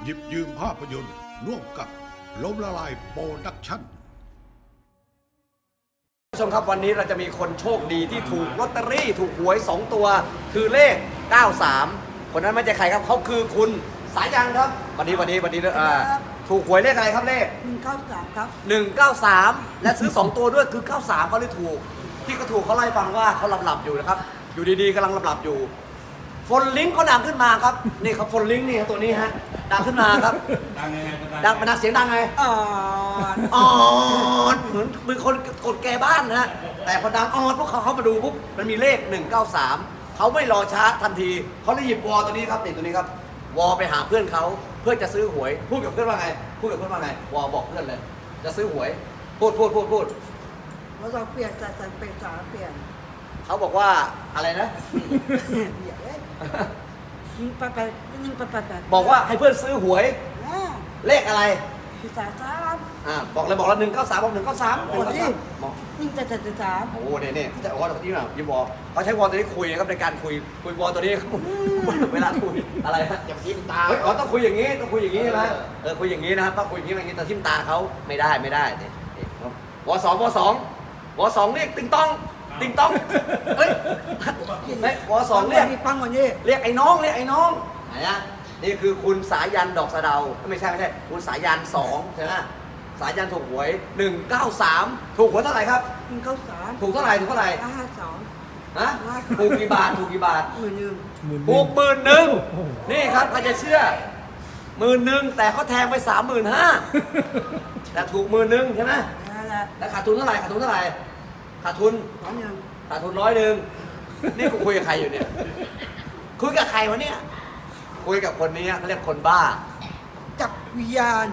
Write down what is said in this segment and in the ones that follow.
หยิบยืมภาพยนตร์ร่วมกับล้มละลายโปรดักชั่นผู้ชมครับวันนี้เราจะมีคนโชคดีที่ถูกลอตเตอรี่ถูกหวย 2 ตัวคือเลข 93 คนนั้นไม่ใช่ใครครับเขาคือคุณสายันครับวันนี้ถูกหวยเลขอะไรครับเลข 193 ครับ 193 และซื้อ 2 ตัวด้วยคือ 93เขาเลยถูกที่เขาถูกเขาไล่าให้ฟังว่าเขาหลับอยู่นะครับอยู่ดีๆกำลังหลับอยู่ฟนลิงก์เขาดังขึ้นมาครับนี่ครับฟนลิงก์นี่ตัวนี้ฮะดังขึ้นมาครับดังเป็นเสียงดังไง อ่อนเหมือนคนกดแกบ้านนะฮะแต่พอดังอ่อนพวกเขามาดูปุ๊บมันมีเลข 193เขาไม่รอช้าทันทีเขาเลยหยิบวอตัวนี้ครับนี่ตัวนี้ครับวอไปหาเพื่อนเขาเพื่อจะซื้อหวยพูดกับเพื่อนว่าไงวอบอกเพื่อนเลยจะซื้อหวยพูดเราต้องเปลี่ยนจากสันเป็นสาเปลี่ยนเขาบอกว่าอะไรนะเดี๋ยวยิงไปบอกว่าให้เพื่อนซื้อหวยเลขอะไรที่สาสามบอกเลยบอกละ193บอก193 โอ้ยยิงแต่สามโอ้เนี่ยจะวอตัวนี้หน่อยยิงวอเขาใช้วอตัวนี้คุยนะครับในการคุยวอตัวนี้ เวลาคุยอะไรฮะอย่าทิ่มตาต้องคุยอย่างนี้ใช่ไหมคุยอย่างนี้นะครับต้องคุยอย่างนี้แต่ทิ่มตาเขาไม่ได้เนี่ยวอสองเรียกติงต้องเฮ้ยวอสองเรียกปังกว่านี้เรียกไอ้น้องไหนนะนี่คือคุณสายันดอกสะเดาไม่ใช่คุณสายัน2ใช่ไหมสายันถูกหวย193ถูกหวยเท่าไหร่ครับ 193 ถูกเท่าไหร่ 52 ฮะถูกกี่บาท 11,000 ถูก11,000นี่ครับใครจะเชื่อ11,000แต่เขาแทงไป35,000แต่ถูก11,000ใช่ไหมนั่นแหละแล้วขาดทุนเท่าไหร่ขาดทุน100นี่กูคุยกับใครอยู่เนี่ยคุยกับใครวะเนี่ยคุยกับคนนี้เขาเรียกคนบ้าจับวิญญาณ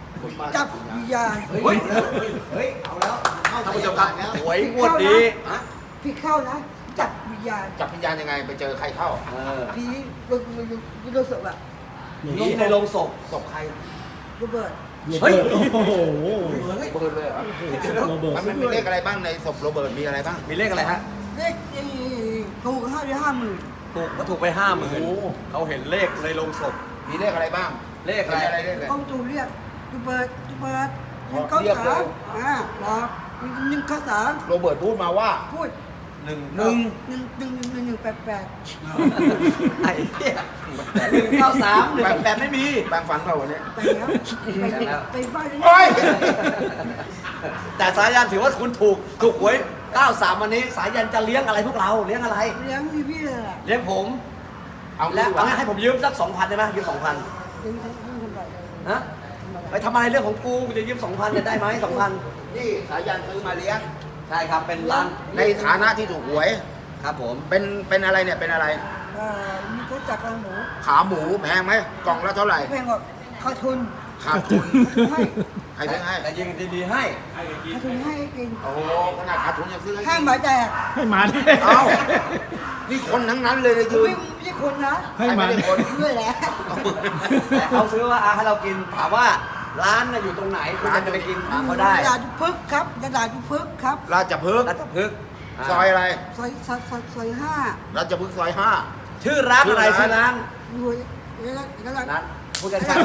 เฮ้ยเอาแล้วท่านผู้ชมครับหวยงวดนี้พี่เข้านะจับวิญญาณจับวิญญาณยังไงไปเจอใครเข้าผีโรศพอะผีในโรงศพตบใครโรเบิร์ตเฮ้ยโอ้โหเบิร์ดเลยเหรอมันมีเลขอะไรบ้างในศพโรเบิร์ตมีอะไรบ้างมีเลขอะไรฮะเลขถูก50,000 ถูกไป50,000เขาเห็นเลขในโรงศพมีเลขอะไรบ้างเลขอะไรเลขอะไรเขาตูเรียกโรเบิร์ต193บอก193 โรเบิร์ตพูดมาว่าพูด 1 188 ไอ้เหี้ย193 188ไม่มีแปลงฝันเปล่าวันนี้ไปแล้วไปบ้านโอ้ยแต่สายันถือว่าคุณถูกหวย93วันนี้สายันจะเลี้ยงอะไรพวกเราเลี้ยงอะไรเลี้ยงพี่เลยแหละเลี้ยงผมเอาและงี้ดีกเอาว่างั้นให้ผมยืมสัก 2,000ได้ไหมยืม 2,000 เลี้ยงคนใหญ่เลยฮะไปทำอะไรเรื่องของกูจะยืม 2,000จะได้ไหม2,000 นี่สายันซื้อมาเลี้ยงใช่ครับเป็นร้านในฐานะที่ถูกหวยครับผมเป็นอะไรเนี่ยเป็นอะไรมีเขาจับกระหมูขาหมูแพงไหมกล่องละเท่าไหร่แพงกว่าขาดทุนขาดทุนให้ใครซื้อให้แต่ยิงดีๆให้ขาดทุนให้กินโอ้โหขนาดขาดทุนยังซื้อให้ห้ากิมนหมายแตกให้มาดิเอ้านี่คนทั้งนั้นเลยนะยืนไม่ใช่คนนะให้มาไม่ดิได้คนด้วยแหละแต่เขาซื้อว่าให้เรากินถามว่าร้านน่ะอยู่ตรงไหนคุณจะไปกินถามเขาได้ตลาดพึกครับตลาดพึกครับราชพฤกษ์รัชพฤกษ์ซอยอะไรซอย5 ราชพฤกษ์ซอยห้าชื่อร้านอะไรชื่อร้านรวยแล้วร้านพูดช้า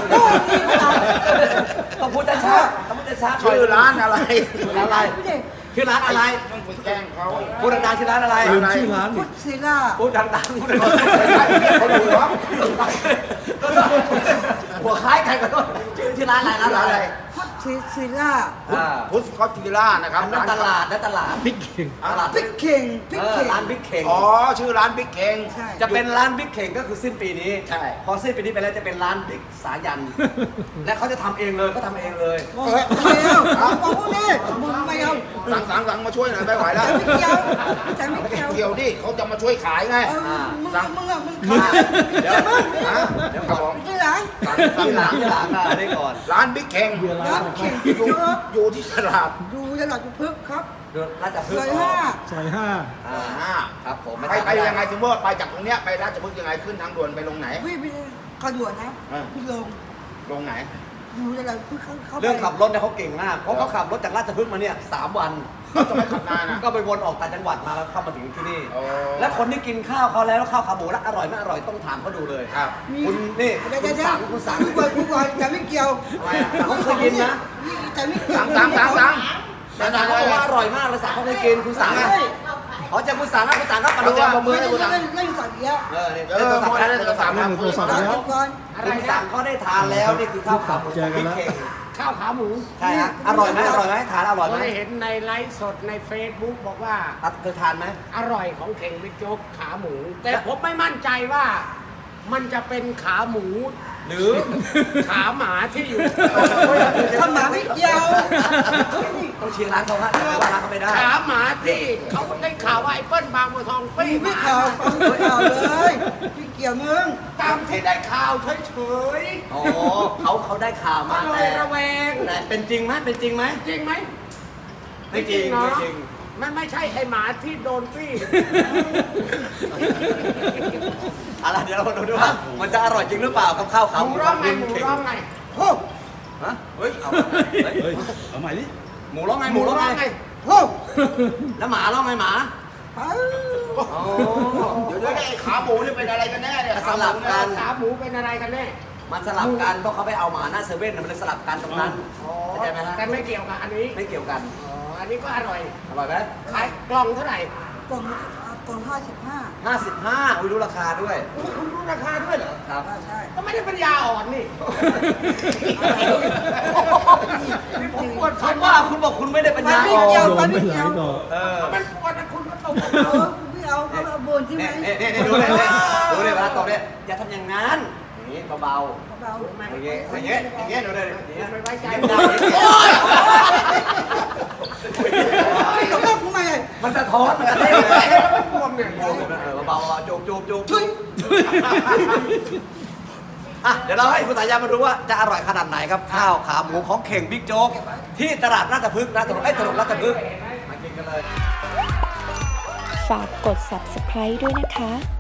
ๆต้องพูดช้าๆต้องพูดช้าๆชื่อร้านอะไรชื่อร้านอะไรชื่อร้านอะไรต้องไปแกล้งเขาพูดดังๆชื่อร้านอะไรลืมชื่อร้านพุดิทธศิลาพูดดังๆพูดดังเขาดูเหรอๆหัวคล้ายกันกับชื่อร้านอะไรร้านอะไรพุทธศิลาพุทธคอสติล่านะครับนั่นตลาดนั่นตลาดบิ๊กเข่งตลาดพริกเข่งพริกเข่งร้านบิ๊กเข่งอ๋อชื่อร้านบิ๊กเข่งใช่จะเป็นร้านบิ๊กเข่งก็คือสิ้นปีนี้ใช่พอสิ้นปีนี้ไปแล้วจะเป็นร้านบิ๊กสายัน และเขาจะทำเองเลยเขาทำเองเลยไม่เอาบอกพวกนี้มึงไม่เอาสั่งมาช่วยหน่อยไม่ไหวแล้วไม่เกี่ยวแต่ไม่เกี่ยวเกี่ยวดิเขาจะมาช่วยขายไงมึงขายเดี๋ยวฮะเดี๋ยวครับผมไม่ใช่หรอที่หลังอันนี้ก่อนร้านบิ๊กเข่งร้านเข่งอยู่ที่ตลาดดูตลาดพึกครับดูราชพฤซกอยษ์ 5 ซอย5 ครับผมไปยังไงสมมติว่าไปจากตรงเนี้ยไปราชพฤกษ์ยังไงขึ้นทางด่วนไปลงไหนพี่กระด่วนนะพี่ลงลงไหนลอยู่อะไรเพิ่งเข้าไปเรื่องขับรถเนี่ยเขาเก่งมากเพราะเขาขับรถจากราชพฤกษ์มาเนี่ย3 วันเขาจะไม่ขับนานนะก็ไปวนออกต่างจังหวัดมาแล้วเข้ามาถึงที่นี่อ๋อและคนที่กินข้าวเขาแล้วข้าวขาหมูแล้วอร่อยไม่อร่อยต้องถามเขาดูเลยครับคุณนี่เดี๋ยวคุณสังคุณสังคุณเปิดแต่ไม่เกี่ยวอะไรอ่ะเขาเคยกินนะแต่ไม่เกี่ยวสั่งแต่สังเขาบอกว่าอร่อยมากเลยสังเขาเคยกินคุณสังใช่อ่ะขอเจอคุณสังครับคุณสังครับมาดูว่าไม่ได้เล่นสัตว์เยอะนี่เออมาได้ตัวสามเล่นโทรศัพท์แล้วก่อนคุณสังเขาได้ทานแล้วนี่คือข้าวขาหมูเจอกันแล้วพริกเข่งข้าวขาหมูใช่ฮะอร่อยไหมอร่อยไหมทานอร่อยไหมเคยเห็นในไลฟ์สดใน Facebook บอกว่าเคยทานไหมอร่อยของเข่งบิ๊กโจ๊กขาหมู แต่ผมไม่มั่นใจว่ามันจะเป็นขาหมูหรือขาหมาที่อยู่ถ้าหมาไม่เกี่ยวต้องเชียร์ร้านเขาฮะว่าร้านเขาไม่ได้ขาหมาที่เขาได้ข่าวว่าไอ้เปิ้ลบางบัวทองปี้หไม่มาข่าวไม่ข่าวเลยไม่เกี่ยวมึงตามที่ได้ข่าวเฉยอ๋อเขาได้ข่าวๆมาก็เลแต่ยระแวงแต่เป็นจริงไหมเป็นจริงไหมจริงไหมไม่จริงเนาะไม่จริงมันไม่ใช่ไอ้หมาที่โดนปี้อะไรเดี๋ยวเราดูว่ามันจะอร่อยจริงหรือเปล่ากับข้าวขาหหมูมูร้องไงขหมูเข่งร้องไงโอ้ฮะเฮ้ยเอาเฮ้ย เอาใหม่ดิหมูร้องไงหมูร้องไงโอ้แล้วหมาร้องไงหมาไปอ๋อเดี๋ยวไอ้ขาหมูนี่เป็นอะไรกันแน่เนี่ยสลับกันขาหมูเป็นอะไรกันแน่มันสลับกันเพราะเขาไปเอาหมาหน้าเซเว่นน่ะมันเลยสลับกันตรงนั้นเข้าใจไหมฮะแต่ไม่เกี่ยวกับอันนี้ไม่เกี่ยวกันอ๋อ อันนี้ก็อร่อยอร่อยไหมขายกล่องเท่าไหร่กล่อง55 55อุ้ยรู้ราคาด้วยคุณรู้ราคาด้วยเหรอครับใช่ก็ไม่ได้ปัญญาอ่อนนี่ นี่ผมปวดคุฟันณว่าคุณบอกคุณไม่ได้ปัญญาอ่อเกี่ยนวโดนไปหลายดอกเออมันปวดนะคุณก็ตกไม่เอาเขาเอาบนใช่ไหมนี่ดูเลยดูเลยเวลาตอบเนี่ยอย่าทำอย่างนั้นอย่างนี้เบาเบาๆอย่างเงี้ยอย่างเงี้ยอย่างเงี้ยดูเลยอย่างเงี้ยไม่ไว้ใจยิ้มได้ๆต้องทำไมมันสะท้อนมันจะเล่นเลยไม่บวมเนี่ยเบาๆจูบอ่ะเดี๋ยวเราให้คุณสายามาดูว่าจะอร่อยขนาดไหนครับข้าวขาหมูของเข่งบิ๊กโจ๊กที่ตลาดราชพฤกษ์นะถนนราชพฤกษ์มากินกันเลยฝากกด subscribe ด้วยนะคะ